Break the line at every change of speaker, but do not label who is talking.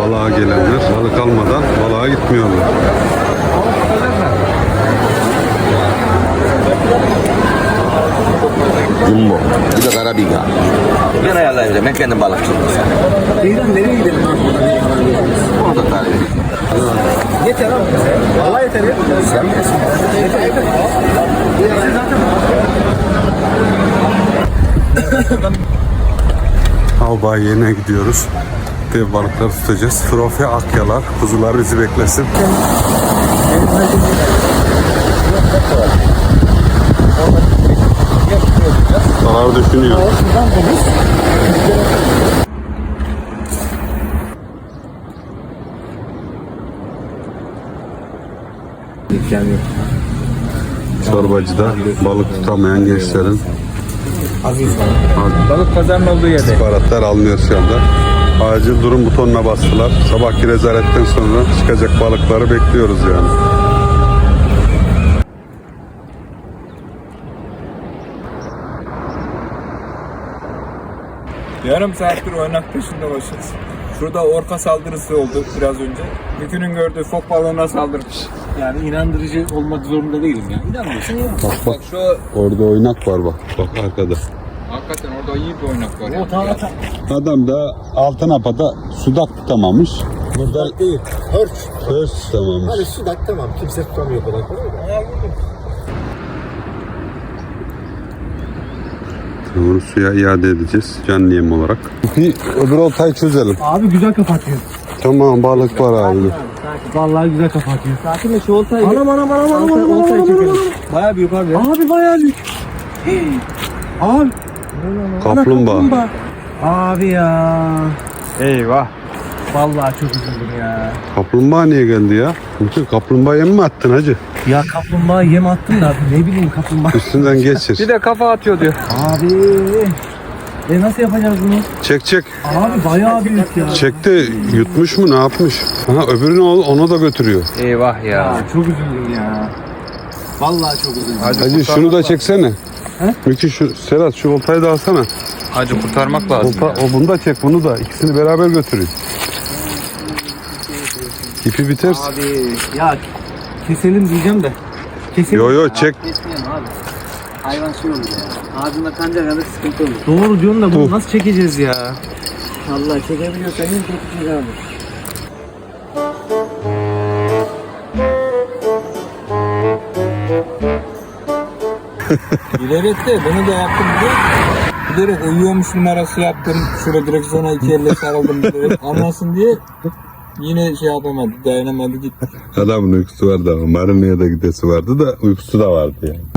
balığa gelenler balık almadan balığa gitmiyorlar.
Jumbo. Bir de karabiga. Ben ayarlayacağım. Ben kendim balıkçıyım.
Beyran nereye gidelim?
Orada tarif edeyim.
Yeter abi. Allah yeter ya.
Sen bilirsin.
Av bayine gidiyoruz. Dev balıkları tutacağız. Trofe akyalar, kuzular bizi beklesin. Zarar düşünüyor. Çorbacıda balık tutamayan gençlerin
Balık pazarının olduğu yerde.
istihbaratlar alınıyor şu anda. Acil durum butonuna bastılar. Sabahki rezaletten sonra çıkacak balıkları bekliyoruz yani.
Yarım saattir oynak peşinde koşuyoruz. Şurada orka saldırısı oldu biraz önce. Mükünün gördüğü fok balığına saldırmış.
Yani inandırıcı olmak zorunda değilim ya. İnanmıyorsun ya.
Bak
Şu
orada oynak var bak. Bak arkada.
hakikaten orada iyi bir oynak var.
O tamam.
Adam da altın apada sudak tutamamış.
Sudak değil, hörç.
Hırs tutamamış.
Hani sudak tamam, kimse tutamıyor kadar kolay da.
Onu suya iade edeceğiz canlı yem olarak. Bir öbür oltayı çözelim.
Abi güzel kapatıyor.
Tamam balık var abi.
Vallahi güzel kapatıyor.
Sakinle şu oltayı.
Anam.
Oltayı çekelim. Bayağı büyük abi ya.
Abi bayağı büyük. Abi.
Kaplumbağa.
Abi ya.
Eyvah.
Vallahi çok üzüldüm ya.
Kaplumbağa niye geldi ya? Bütün kaplumbağa yem mi attın hacı?
Ya kaplumbağa yem attım da ne bileyim kaplumbağa.
Üstünden geçir.
Bir de kafa atıyor diyor.
Abi. Nasıl yapacağız bunu?
Çek.
Abi bayağı büyük ya.
Çekti yutmuş mu ne yapmış? Aha öbürünü onu da götürüyor.
Eyvah ya.
Ya çok üzüldüm ya. Vallahi çok üzüldüm.
Hacı şunu da çeksene. Mükü Serhat şu oltayı da alsana.
Hacı kurtarmak lazım.
Olta, o bunu da çek bunu da. İkisini beraber götürün. İpi bitersin.
Abi ya keselim diyeceğim de. Keselim.
Yo çek.
Kesmeyelim abi. Hayvan şey olur ya. Ağzında kanca kadar sıkıntı olur.
Doğru diyorsun da bunu nasıl çekeceğiz ya?
Allah çekebiliyorsan en kötü şey abi.
Bilerek de bunu da yaptım diye. Bilerek uyuyormuş numarası yaptım. Şurada direksiyona iki elle sarıldım bilerek. Anlasın diye. Yine şey yapamadı, dayanamadı gitti.
Adamın uykusu vardı ama marineye de gidesi vardı da uykusu da vardı yani.